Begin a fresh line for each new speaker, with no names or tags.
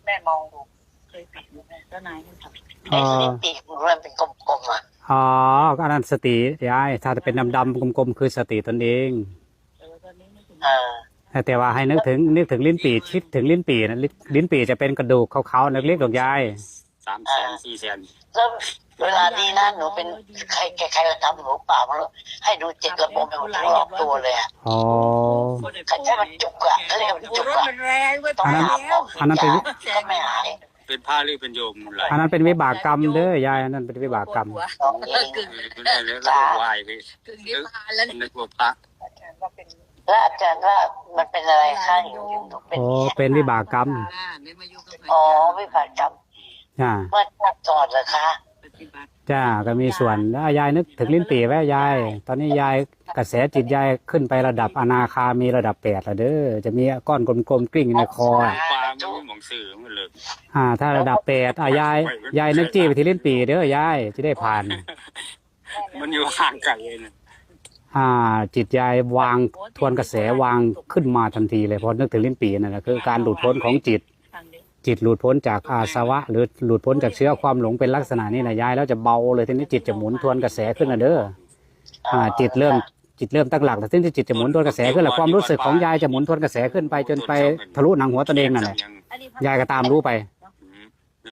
แม่มองดูเคยปิดดูแม่แล้วนายมันทำ
ไอ้ลิ้นปีกมันเป็นกลมๆอ่ะ
อ๋ออันนั้นสติยายถ้าจะเป็นดำๆกลมๆคือสติตนเอง
ตอนนี้ไม่ถึง
แต่ว่าให้นึกถึงลิ้นปี่คิดถึงลิ้นปี่นะลิ้นปี่จะเป็นกระดูกขาวๆเล็กๆดอกยาย
300,000 400,000
แล้วเวลานี้นะหนูเป็นใครมาทำหนูเปล่ามาแล้วให้ดูเจ็ดระบบเป็นทั้งรอบตัวเลยอ่ะ
อ๋อ
ใครใช้มันจุกอ่ะเขาเรียกมันจุกอ่ะ
มันแรงเว้ย
ต้องหาหมอ
อันนั้นเป็น
ก็ไม่หาย
เป็นผ้าหรือเป็นโยมหลาย
อันนั้นเป็นวิบากกรรมเด้อยายอันนั้นเป็นวิบากกรรม
ต้องเอง
เป็นแล้วก็วายไป
กึ่งนิพพานแล้ว
นึกว่าพระ
อาจารย์ว่าเป็น
แล้วอาจารย์ว่ามันเป็นอะไรคะอยู่เป็น
โอ้เป็นวิบากกรรม
ไม่มายุ่งกับ
อ๋อวิบากกรรม
จ้า
เมื่อชาติก่อนเหรอคะ
ปฏิบัติ
จ้าก็มีส่วนแล้วยายนึกถึงลิ้นปี่ไว้ยายตอนนี้ยายกระแสจิตยายขึ้นไประดับอนาคามีระดับ8แล้วเด้อจะมีก้อนกลมๆกลิ้งอยู่ในคอ
ปลาไม่มีหมองสื่อมันเลย
ถ้าระดับ8ยายนึกจี้ไปที่ลิ้นปี่เด้อยายจะได้ผ่าน
มันอยู่ห่างไกลเลยนะ
จิตยายวางทวนกระแสวางขึ้นมาทันทีเลยพอนึกถึงลิ้นปี่นั่นแหละคือการหลุดพ้นของจิต
ทางเดียว
จิตหลุดพ้นจากอาสวะหรือหลุดพ้นจากเชื้อความหลงเป็นลักษณะนี้แหละยายแล้วจะเบาเลยทีนี้จิตจะหมุนทวนกระแสขึ้นนะเด้อจิตเริ่มตั้งหลักแต่ทีนี้จิตจะหมุนทวนกระแสขึ้นแหละความรู้สึกของยายจะหมุนทวนกระแสขึ้นไปจนไปทะลุหนังหัวตนเองนั่นแหละ
อันนี้
ยายก็ตามรู้ไป
เ